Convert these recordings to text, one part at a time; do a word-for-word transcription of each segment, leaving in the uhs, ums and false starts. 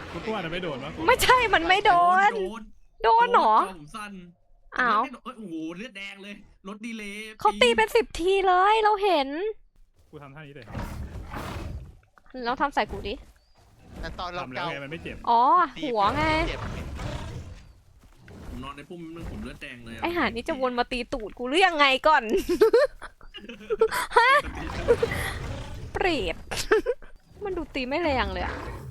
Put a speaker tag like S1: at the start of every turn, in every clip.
S1: กูตัวน่ะไม่โดนวะ
S2: ไม่ใช่มันไม่โดน
S3: โดน
S2: โดนเหรอ
S3: ผมสั้น
S2: อ้าว
S3: โอ้โหเลือดแดงเลยรถดีเลย
S2: เขาตีเป็นสิบทีเลยเราเห็น
S1: กูทำท่านี้เลย
S2: เราทำใส่กูดิ
S4: แต่ตอนเรา
S1: ทำแล้ว
S4: เกา
S1: ไงมันไม่เจ็บ
S2: อ๋อหัวไง
S4: เจ็บ
S3: ผมนอนในพุ่มนึงผมเลือดแดงเลย
S2: ไอหานี่จะวนมาตีตูดกูหรือยังไงก่อน เปรต มันดูตีไม่แรงเลยอะ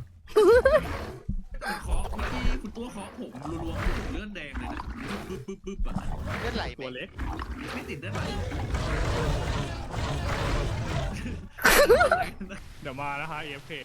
S3: เคาะเมื่อกี้คุณตัวเคาะผมรัวๆผมเลือดแดงเลยนะปึ๊บปึ๊บปึ๊บปึ๊บอะ
S4: เลือดไหลไป
S1: ตัวเล็ก
S3: ไม่ติดได้ไหม
S1: เดี๋ยวมานะคะ เอ เอฟ เค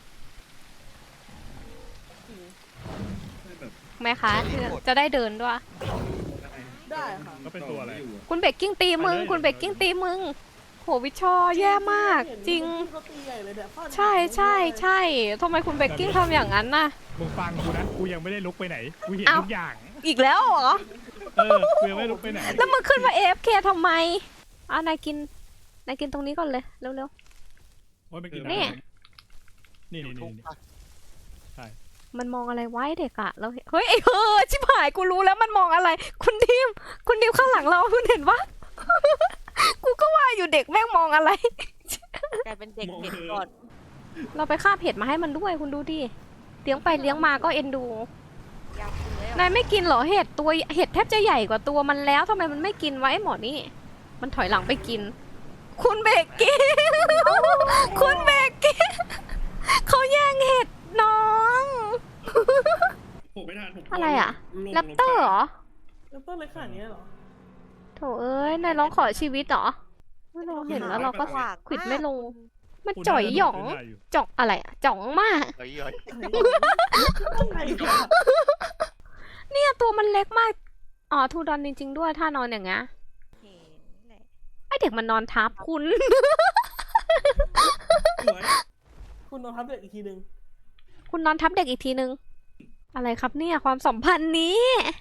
S3: แบบ
S2: แม่คะจะได้เดินด้วย
S5: ได้ค่ะ
S1: ก็เป็นตัวอะไร
S2: คุณเบกกิ้งตีมึง คุณเบกกิ้งตีมึง โหวิชอแย่มาก จริง
S5: เขาตีใหญ่เลยเนี่ยฟาด
S2: ใช่ใช่ใช่ทำไมคุณเบกกิ้งทำอย่างนั้นน่ะ
S1: มึงฟังกูนะ กูยังไม่ได้ลุกไปไหน กูเห็น
S2: เอ้า
S1: ทุกอย่าง
S2: อีกแล้วเหรอ
S1: เออ กูยังไม่ลุกไปไหน
S2: แล้วมึงขึ้นมา เอ เอฟ เค ทำไมอ่ะนายกิน นายกินตรงนี้ก่อนเลย เร็ว
S1: โอ้ยไม่กิน
S2: นี่
S1: นี่
S4: อยู่
S1: นี่
S4: ทุ
S1: นี่
S4: ก
S1: นี่
S2: ๆ มันมองอะไรไว้เด็กอะเราเห็นเฮ้ยไอ้เฮ้อชิบหายกูรู้แล้วมันมองอะไร คุณดิม คุณดิมข้างหลังเราคุณเห็นปะ กูก็ว่าอยู่เด็กแม่งมองอะไร
S6: กลายเป็นเด็กเด็กก่อน
S2: เราไปฆ่าเผ็ดมาให้มันด้วยคุณดูดิ เลี้ยงไปเลี้ยงมาก็เอ็นดู
S6: ยาวคุณเลย
S2: นายไม่กินเหรอเห็ดตัวเห็ดแทบจะใหญ่กว่าตัวมันแล้วทำไมมันไม่กินวะไอ้หมอนี่ มันถอยหลังไปกิน คุณเบกกี้ คุณเบกกี้ เขาแย่งเห็ดน้อง
S3: ผมไม่ทันผม
S2: อะไรอะ
S3: ลง
S2: แรปเตอร์เหรอ
S5: แล้วต้นเล็กขนาดนี้เหรอ
S2: โถเอ้ยนายร้องขอชีวิตเหรอไม่เราเห็นแล้วเราก็ขวิดไม่ลง มันจ่อยหยอง
S1: กูน่าจะโดดขึ้นได้
S2: จ่องอะไรอะจ่องมาก
S4: เฮ้ยเฮ้ย
S5: ต้นไหนเนี่ย
S2: เนี่ยตัวมันเล็กมาก อ๋อทูดอนจริง ๆ ด้วยถ้านอนอย่างเงี้ย
S6: เห็นแหละ
S2: ไอเด็กมันนอนทับคุณ
S3: สวย
S5: คุณนอนทับเด็กอีกทีหนึ่ง
S2: คุณนอนทับเด็กอีกทีนึง อะไรครับเนี่ยความสัมพันธ์นี้